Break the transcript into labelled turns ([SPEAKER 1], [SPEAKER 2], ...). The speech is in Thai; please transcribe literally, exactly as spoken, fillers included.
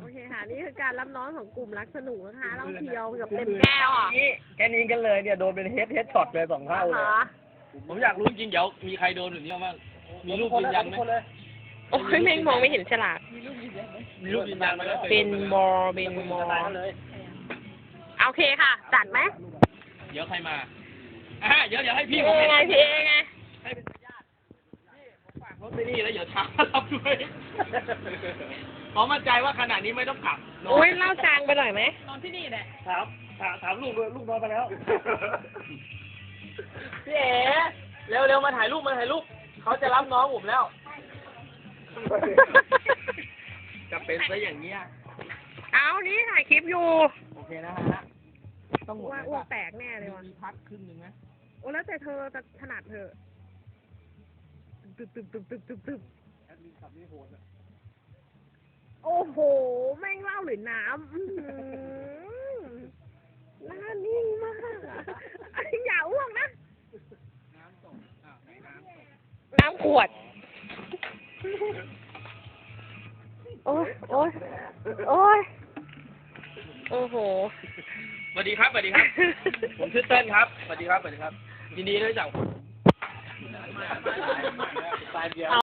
[SPEAKER 1] เคค่ะนี่คือการรับน้องของกลุ่มรักสนุกนะคะเราเที่ยวกับเต็มแก้วอ่ะ
[SPEAKER 2] แค่นี้กันเลยเนี่ยโดนเป็นเฮดเฮดช็อตเลยสองเท่าเลย
[SPEAKER 3] ผมอยากรู้จริงเดี๋ยวมีใครโดนแบบนี้บ้างมีรูปยืนยันไหม
[SPEAKER 1] โอ้ยแม่งมองไม่เห็นฉลาก
[SPEAKER 3] มีรูปยืนยันไหม
[SPEAKER 1] เป็นบอเป็นบอโอเคค่ะ จัดไหม
[SPEAKER 3] เดี๋ยวใครมาอ่าเดี๋ยวเดี๋ยวให้พี่
[SPEAKER 1] พี่
[SPEAKER 3] ผม
[SPEAKER 1] เอไงพี่เอไง
[SPEAKER 3] ให้เป็นญาติพี่ผมฝากรถไปนี่แล้วเดี๋ยวช้ารับด้วยขอมั่นใจว่าขนาดนี้ไม่ต้องกลับ
[SPEAKER 1] โอ้ยเล่าจางไปหน่อยไหม
[SPEAKER 3] นอนที่นี่แหละถามถามถามลูกด้วยลูกนอนไปแล้วพี่เอ๋เร็วเร็วมาถ่ายรูปมาถ่ายรูปเขาจะรับน้องผมแล้วจะเป็นซะอย่างเงี้ย
[SPEAKER 1] เอานี่ถ่ายคลิปอยู่
[SPEAKER 3] โอเคนะฮะต้องหมด
[SPEAKER 1] ว่าอ้วกแตกแน่เลยว่ะ
[SPEAKER 3] มีพักครึ่งหนึ่งนะ
[SPEAKER 1] โอ้แล้วแต่เธอจะถนัดเธอตึบตึบตึบตึบตึบตึบโอ้โห แม่งเหล่าหรือน้ำอื้อหือหน้านิ่งมากอะอย่าอ้วกนะ น้ำขวด โอ้ยโอ้ยโอ้ยโอ้โห
[SPEAKER 3] สวัสดีครับสวัสดีครับ ผมชื่อเต้นครับสวัสดีครับสวัสดีครับยินดีที่ได้รู้จัก